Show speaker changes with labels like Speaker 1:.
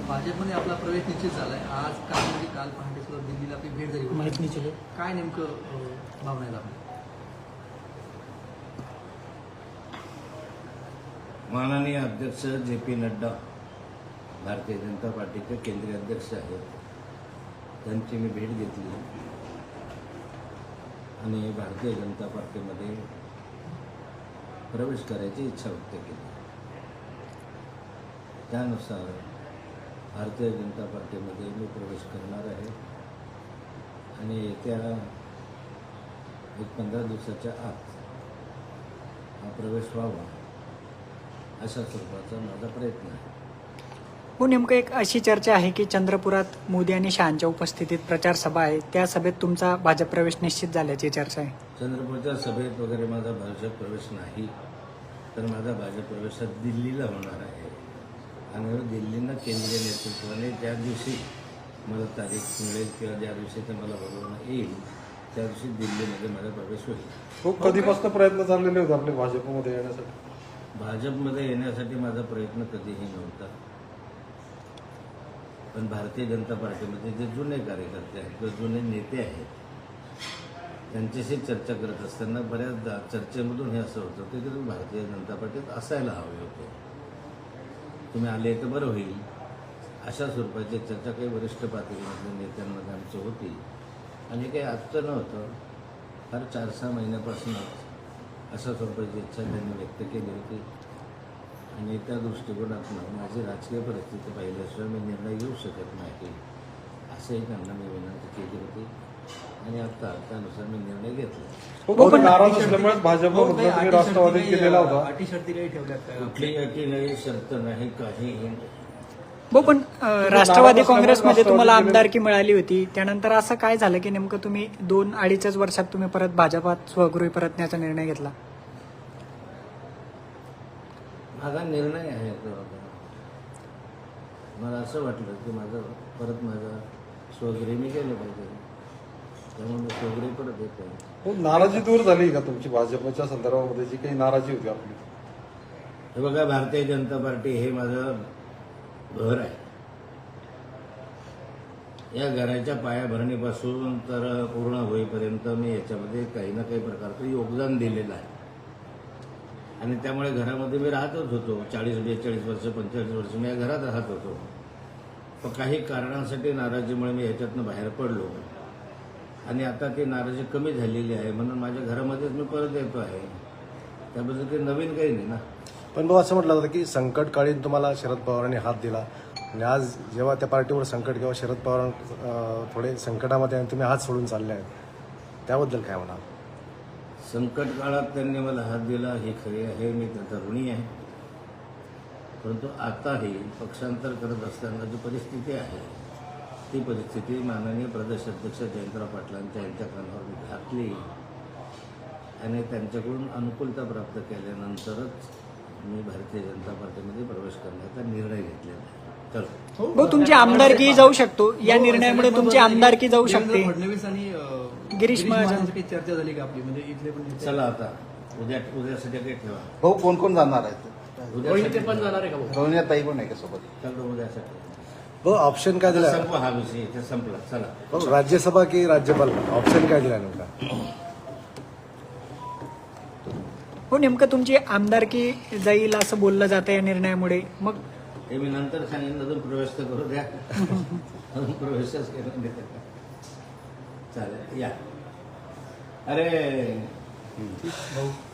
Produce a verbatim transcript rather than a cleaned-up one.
Speaker 1: भाजपमध्ये आपला प्रवेश निश्चित झाला आहे. आज काल म्हणजे काल पहाटे सुद्धा दिल्लीला आपली भेट झाली
Speaker 2: माहिती निश्चित आहे.
Speaker 1: काय नेमकं अ, भावना आहेत आपल्या?
Speaker 3: माननीय अध्यक्ष जे पी नड्डा भारतीय जनता पार्टीचे केंद्रीय अध्यक्ष आहेत, त्यांची मी भेट घेतली आणि भारतीय जनता पार्टीमध्ये प्रवेश करायची इच्छा व्यक्त केली. त्यानुसार भारतीय जनता पार्टीमध्ये मी प्रवेश करणार आहे आणि येत्या एक पंधरा दिवसाच्या आत हा प्रवेश व्हावा अशा स्वरूपाचा माझा प्रयत्न आहे.
Speaker 2: हो, नेमकं एक अशी चर्चा आहे की चंद्रपुरात मोदी आणि शहांच्या उपस्थितीत प्रचार सभा आहे, त्या सभेत तुमचा भाजप प्रवेश निश्चित झाल्याची चर्चा आहे.
Speaker 3: चंद्रपूरच्या सभेत वगैरे माझा भाजप प्रवेश नाही, तर माझा भाजप प्रवेश दिल्लीला होणार आहे आणि दिल्लीनं केंद्रीय नेतृत्वाने ज्या दिवशी मला तारीख मिळेल किंवा ज्या दिवशी ते मला बोलवणं येईल त्या दिवशी दिल्लीमध्ये माझा प्रवेश होईल.
Speaker 4: खूप कधीपासून प्रयत्न चाललेले होते आपले भाजपमध्ये येण्यासाठी?
Speaker 3: भाजपमध्ये येण्यासाठी माझा प्रयत्न कधीही नव्हता, पण भारतीय जनता पार्टीमध्ये जे जुने कार्यकर्ते आहेत किंवा जुने नेते आहेत त्यांच्याशी चर्चा करत असताना बऱ्याचदा चर्चेमधून हे असं होतं की तुम्ही भारतीय जनता पार्टीत असायला हवे होते, तुम्ही आले तर बरं होईल, अशा स्वरूपाची चर्चा काही वरिष्ठ पातळीमधल्या नेत्यांमध्ये आमची होती आणि काही आजचं नव्हतं. फार चार सहा महिन्यापासूनच अशा स्वरूपाची इच्छा त्यांनी व्यक्त केली होती आणि त्या दृष्टिकोनातून माझी राजकीय परिस्थिती पाहिल्याशिवाय मी निर्णय घेऊ शकत नाही असंही त्यांना मी विनंती केली होती आणि आता त्यानुसार मी निर्णय घेतला.
Speaker 4: खूप नाराज असल्यामुळे भाजपमध्ये तुम्ही राष्ट्रवादीत केलेला होता.
Speaker 1: अटी शर्ती काही ठेवल्यात का?
Speaker 3: कुठली अटी नाही, शर्त नाही, काहीही नाही.
Speaker 2: हो, पण अ, राष्ट्रवादी काँग्रेसमध्ये तुम्हाला आमदारकी मिळाली होती, त्यानंतर असं काय झालं की नेमकं तुम्ही दोन अडीचच वर्षात तुम्ही परत भाजपात स्वगृही परतण्याचा निर्णय घेतला?
Speaker 3: माझा निर्णय आहे तो. मला असं वाटलं की माझं परत माझा स्वगृही मी गेलं पाहिजे, त्यामुळे मी स्वगृही परत येतो.
Speaker 4: खूप नाराजी दूर झाली का तुमची भाजपच्या संदर्भामध्ये जी काही नाराजी होती आपली?
Speaker 3: हे बघा, भारतीय जनता पार्टी हे माझं घर आहे. या घराच्या पायाभरणीपासून तर पूर्ण होईपर्यंत मी याच्यामध्ये काही ना काही प्रकारचं योगदान दिलेलं आहे आणि त्यामुळे घरामध्ये मी राहतच होतो. चाळीस बेचाळीस वर्ष पंचेचाळीस वर्ष मी या घरात राहत होतो. पण काही कारणांसाठी नाराजीमुळे मी ह्याच्यातनं बाहेर पडलो आणि आता ती नाराजी कमी झालेली आहे म्हणून माझ्या घरामध्येच मी परत येतो आहे. त्याबद्दल काही नवीन काही नाही ना.
Speaker 5: पण भाऊ, असं म्हटलं जातं की संकटकाळीन तुम्हाला शरद पवारांनी हात दिला आणि आज जेव्हा त्या पार्टीवर संकट किंवा शरद पवार अं, थोडे संकटामध्ये आणि तुम्ही हात सोडून चालले आहेत, त्याबद्दल काय म्हणाल?
Speaker 3: संकट काळात त्यांनी मला हात दिला हे खरे आहे, मी त्यांचा ऋणी आहे. परंतु आताही पक्षांतर करत असताना जी परिस्थिती आहे ती परिस्थिती माननीय प्रदेशाध्यक्ष जयंतराव पाटलांच्या यांच्या कानावर मी घातली आणि त्यांच्याकडून अनुकूलता प्राप्त केल्यानंतरच मी भारतीय जनता पार्टीमध्ये प्रवेश करण्याचा निर्णय घेतलेला आहे. चलो,
Speaker 2: हो, तुमची आमदारकी जाऊ शकतो, या निर्णयामुळे तुमची आमदारकी जाऊ शकते.
Speaker 1: देवेंद्र फडणवीस आणि अ,
Speaker 2: गिरीश महाजन
Speaker 1: महाजनची काही चर्चा झाली का आपली? म्हणजे इथले पण नेते-
Speaker 3: चला आता उद्या उद्यासाठी काही ठेवा.
Speaker 6: भाऊ कोण कोण जाणार आहेत?
Speaker 3: उद्यासाठी
Speaker 1: पण जाणार आहे का भाऊ?
Speaker 6: रोहिणी ताई पण आहे का सोबत?
Speaker 3: चलो उद्यासाठी
Speaker 5: भाऊ, ऑप्शन काय दिला?
Speaker 3: संपवा हा विषय इथे संपला. चला
Speaker 5: भाऊ, राज्यसभा की राज्यपाल, ऑप्शन काय दिला नेमका?
Speaker 2: हो, नेमकं तुमची आमदारकी जाईल असं बोललं जातं या निर्णयामुळे. मग
Speaker 3: हे मी नंतर सांगेन, अजून प्रवेश तर करू द्या. अजून प्रवेशच करून देते का? चालेल, या. अरे
Speaker 1: भाऊ